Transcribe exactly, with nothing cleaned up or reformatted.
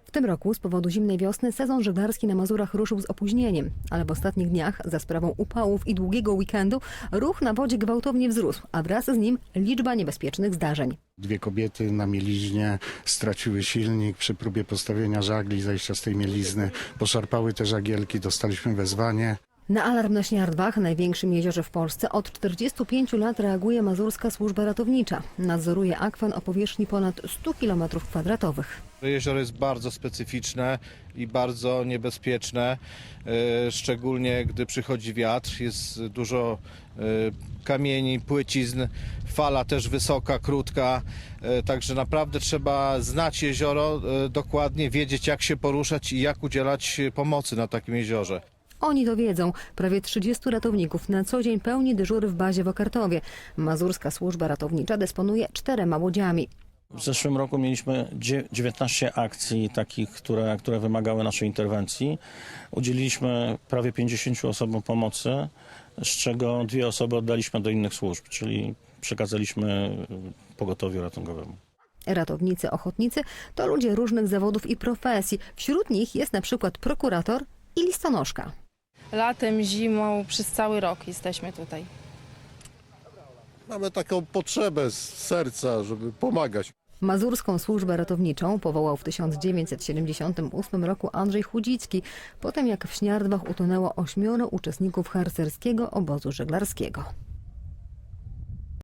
W tym roku z powodu zimnej wiosny sezon żeglarski na Mazurach ruszył z opóźnieniem, ale w ostatnich dniach za sprawą upałów i długiego weekendu ruch na wodzie gwałtownie wzrósł, a wraz z nim liczba niebezpiecznych zdarzeń. Dwie kobiety na mieliźnie straciły silnik przy próbie postawienia żagli, zejścia z tej mielizny. Poszarpały te żagielki, dostaliśmy wezwanie. Na alarm na Śniardwach, największym jeziorze w Polsce, od czterdziestu pięciu lat reaguje Mazurska Służba Ratownicza. Nadzoruje akwen o powierzchni ponad stu kilometrów kwadratowych. Jezioro jest bardzo specyficzne i bardzo niebezpieczne, e, szczególnie gdy przychodzi wiatr, jest dużo e, kamieni, płycizn, fala też wysoka, krótka, e, także naprawdę trzeba znać jezioro e, dokładnie, wiedzieć jak się poruszać i jak udzielać pomocy na takim jeziorze. Oni to wiedzą. Prawie trzydziestu ratowników na co dzień pełni dyżury w bazie w Okartowie. Mazurska Służba Ratownicza dysponuje czterema łodziami. W zeszłym roku mieliśmy dziewiętnaście akcji takich, które, które wymagały naszej interwencji. Udzieliliśmy prawie pięćdziesięciu osobom pomocy, z czego dwie osoby oddaliśmy do innych służb, czyli przekazaliśmy pogotowiu ratunkowemu. Ratownicy ochotnicy to ludzie różnych zawodów i profesji. Wśród nich jest na przykład prokurator i listonoszka. Latem, zimą, przez cały rok jesteśmy tutaj. Mamy taką potrzebę z serca, żeby pomagać. Mazurską Służbę Ratowniczą powołał w tysiąc dziewięćset siedemdziesiątym ósmym roku Andrzej Chudzicki, po tym jak w Śniardwach utonęło ośmioro uczestników harcerskiego obozu żeglarskiego.